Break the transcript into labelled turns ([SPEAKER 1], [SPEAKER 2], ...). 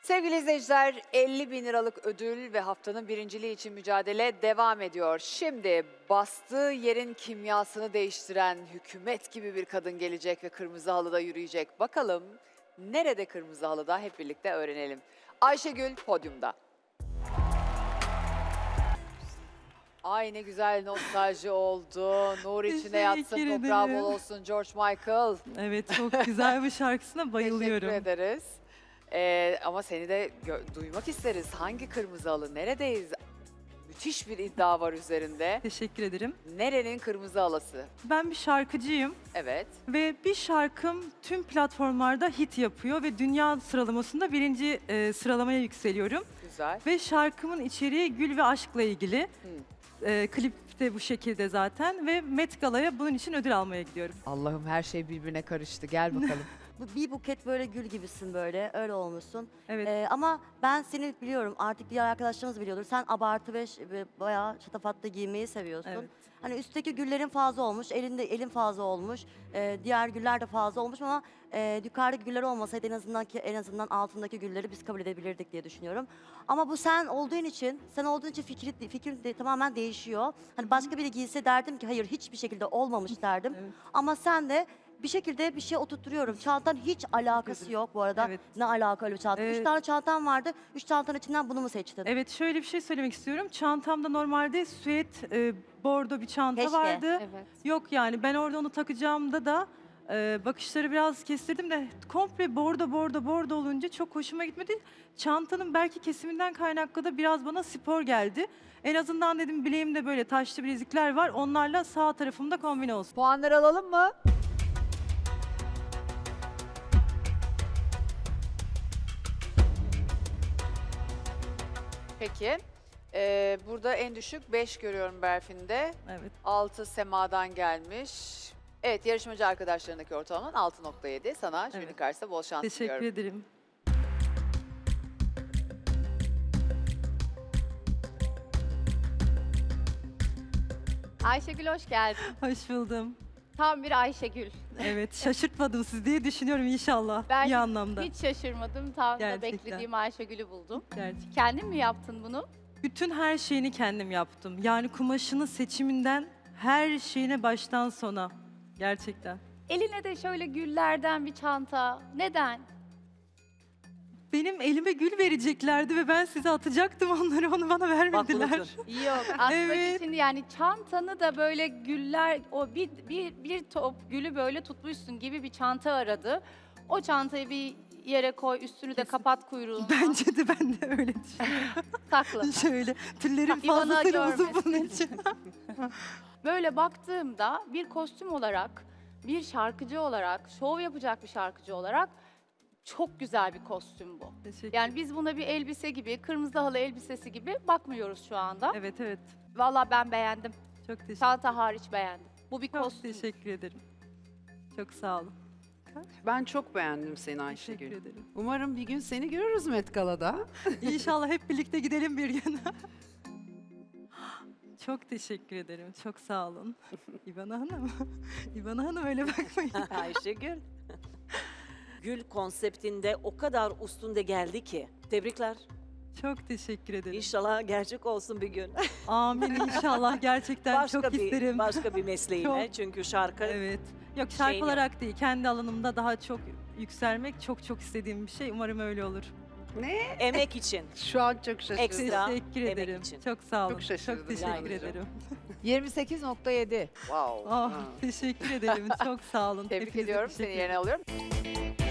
[SPEAKER 1] Sevgili izleyiciler, 50 bin liralık ödül ve haftanın birinciliği için mücadele devam ediyor. Şimdi bastığı yerin kimyasını değiştiren hükümet gibi bir kadın gelecek ve kırmızı halıda yürüyecek. Bakalım nerede kırmızı halıda, hep birlikte öğrenelim. Ayşegül podyumda. Ay ne güzel nostalji oldu. Nur içine yatsın,
[SPEAKER 2] Teşekkür
[SPEAKER 1] toprağı
[SPEAKER 2] ederim.
[SPEAKER 1] bol olsun George Michael.
[SPEAKER 2] Evet, çok güzel bir şarkısına bayılıyorum.
[SPEAKER 1] Teşekkür ederiz. Ama seni de duymak isteriz. Hangi kırmızı halı? Neredeyiz? Müthiş bir iddia var üzerinde.
[SPEAKER 2] Teşekkür ederim.
[SPEAKER 1] Nerenin kırmızı halısı?
[SPEAKER 2] Ben bir şarkıcıyım
[SPEAKER 1] Evet.
[SPEAKER 2] ve bir şarkım tüm platformlarda hit yapıyor ve dünya sıralamasında birinci sıralamaya yükseliyorum.
[SPEAKER 1] Güzel.
[SPEAKER 2] Ve şarkımın içeriği gül ve aşkla ilgili. Klip de bu şekilde zaten ve Met Gala'ya bunun için ödül almaya gidiyorum.
[SPEAKER 1] Allah'ım her şey birbirine karıştı. Gel bakalım.
[SPEAKER 3] Bir buket böyle gül gibisin böyle, öyle olmuşsun.
[SPEAKER 2] Evet.
[SPEAKER 3] Ama ben seni biliyorum, artık diğer arkadaşlarımız biliyordur. Sen abartı ve bayağı şatafatlı giymeyi seviyorsun.
[SPEAKER 2] Evet.
[SPEAKER 3] Hani üstteki güllerin fazla olmuş, elin fazla olmuş, diğer güller de fazla olmuş ama yukarıdaki güller olmasaydı en azından altındaki gülleri biz kabul edebilirdik diye düşünüyorum. Ama bu sen olduğun için fikrim de tamamen değişiyor. Hani başka biri giyse derdim ki hayır, hiçbir şekilde olmamış derdim.
[SPEAKER 2] Evet.
[SPEAKER 3] Ama sen de bir şekilde bir şey oturtturuyorum. Çantan hiç alakası yok bu arada.
[SPEAKER 2] Evet.
[SPEAKER 3] Ne alakalı bir çanta?
[SPEAKER 2] Evet.
[SPEAKER 3] 3 tane çantam vardı. 3 çantanın içinden bunu mu seçtin?
[SPEAKER 2] Evet, şöyle bir şey söylemek istiyorum. Çantamda normalde süet bordo bir çanta
[SPEAKER 3] Keşke.
[SPEAKER 2] vardı.
[SPEAKER 4] Evet.
[SPEAKER 2] Yok yani ben orada onu takacağımda da bakışları biraz kestirdim de komple bordo olunca çok hoşuma gitmedi. Çantanın belki kesiminden kaynaklı da biraz bana spor geldi. En azından dedim bileğimde böyle taşlı bilezikler var. Onlarla sağ tarafımda kombine olsun.
[SPEAKER 1] Puanları alalım mı? Peki. Burada en düşük 5 görüyorum Berfin'de.
[SPEAKER 2] Evet.
[SPEAKER 1] 6 Sema'dan gelmiş. Evet, yarışmacı arkadaşlarındaki ortalaman 6.7. Sana jüri
[SPEAKER 2] Evet.
[SPEAKER 1] karşısında bol şans
[SPEAKER 2] Teşekkür
[SPEAKER 1] diliyorum.
[SPEAKER 2] ederim.
[SPEAKER 4] Ayşegül hoş geldin.
[SPEAKER 2] Hoş buldum.
[SPEAKER 4] Tam bir Ayşegül.
[SPEAKER 2] Evet, şaşırtmadım siz diye düşünüyorum inşallah.
[SPEAKER 4] Ben
[SPEAKER 2] İyi anlamda.
[SPEAKER 4] Hiç şaşırmadım. Tam da
[SPEAKER 2] Gerçekten.
[SPEAKER 4] beklediğim Ayşegül'ü buldum.
[SPEAKER 2] Gerçekten.
[SPEAKER 4] Kendin mi yaptın bunu?
[SPEAKER 2] Bütün her şeyini kendim yaptım. Yani kumaşının seçiminden her şeyine baştan sona. Gerçekten.
[SPEAKER 4] Eline de şöyle güllerden bir çanta. Neden?
[SPEAKER 2] Benim elime gül vereceklerdi ve ben size atacaktım onları. Onu bana vermediler.
[SPEAKER 4] Yok. Atmak
[SPEAKER 2] Evet.
[SPEAKER 4] için yani çantanı da böyle güller, o bir top gülü böyle tutmuşsun gibi bir çanta aradı. O çantayı bir yere koy, üstünü de
[SPEAKER 2] Kesin.
[SPEAKER 4] kapat kuyruğunu.
[SPEAKER 2] Bence de ben de öyle düşünüyorum.
[SPEAKER 4] Sakla.
[SPEAKER 2] Şöyle tüllerim
[SPEAKER 4] İvana
[SPEAKER 2] fazlasıyla uzun
[SPEAKER 4] görmesin.
[SPEAKER 2] bunun için.
[SPEAKER 4] Böyle baktığımda bir kostüm olarak, bir şarkıcı olarak, şov yapacak bir şarkıcı olarak çok güzel bir kostüm bu.
[SPEAKER 2] Teşekkür
[SPEAKER 4] Yani biz buna bir elbise gibi, kırmızı halı elbisesi gibi bakmıyoruz şu anda.
[SPEAKER 2] Evet evet.
[SPEAKER 4] Vallahi ben beğendim.
[SPEAKER 2] Çok teşekkür
[SPEAKER 4] Çanta hariç beğendim. Bu bir
[SPEAKER 2] Çok
[SPEAKER 4] kostüm.
[SPEAKER 2] teşekkür ederim. Çok sağ olun.
[SPEAKER 5] Ben çok beğendim seni
[SPEAKER 2] Teşekkür
[SPEAKER 5] Ayşegül.
[SPEAKER 2] ederim.
[SPEAKER 5] Umarım bir gün seni görürüz Met Gala'da.
[SPEAKER 2] İnşallah hep birlikte gidelim bir gün. Çok teşekkür ederim. Çok sağ olun. İvana Hanım. İvana Hanım öyle bakmayın.
[SPEAKER 6] Ayşegül. Gül konseptinde o kadar üstünde geldi ki. Tebrikler.
[SPEAKER 2] Çok teşekkür ederim.
[SPEAKER 6] İnşallah gerçek olsun bir gün.
[SPEAKER 2] Amin inşallah. Gerçekten çok isterim.
[SPEAKER 6] Başka bir mesleğine.
[SPEAKER 2] Çok.
[SPEAKER 6] Çünkü şarkı
[SPEAKER 2] Evet. Yok şarkı
[SPEAKER 6] Şeyini-
[SPEAKER 2] olarak değil. Kendi alanımda daha çok yükselmek çok istediğim bir şey. Umarım öyle olur.
[SPEAKER 6] emek için.
[SPEAKER 5] Şu an çok şaşırdım.
[SPEAKER 6] Ekstra
[SPEAKER 2] Teşekkür
[SPEAKER 6] emek
[SPEAKER 2] ederim.
[SPEAKER 6] için.
[SPEAKER 2] Çok sağ olun.
[SPEAKER 5] Çok şaşırdım
[SPEAKER 2] Çok teşekkür
[SPEAKER 5] yalnızca.
[SPEAKER 2] ederim.
[SPEAKER 1] 28.7. Wow.
[SPEAKER 2] Ah, teşekkür ederim. Çok sağ olun.
[SPEAKER 1] Tebrik
[SPEAKER 2] Hepinize
[SPEAKER 1] ediyorum.
[SPEAKER 2] teşekkür
[SPEAKER 1] Seni yerine alıyorum.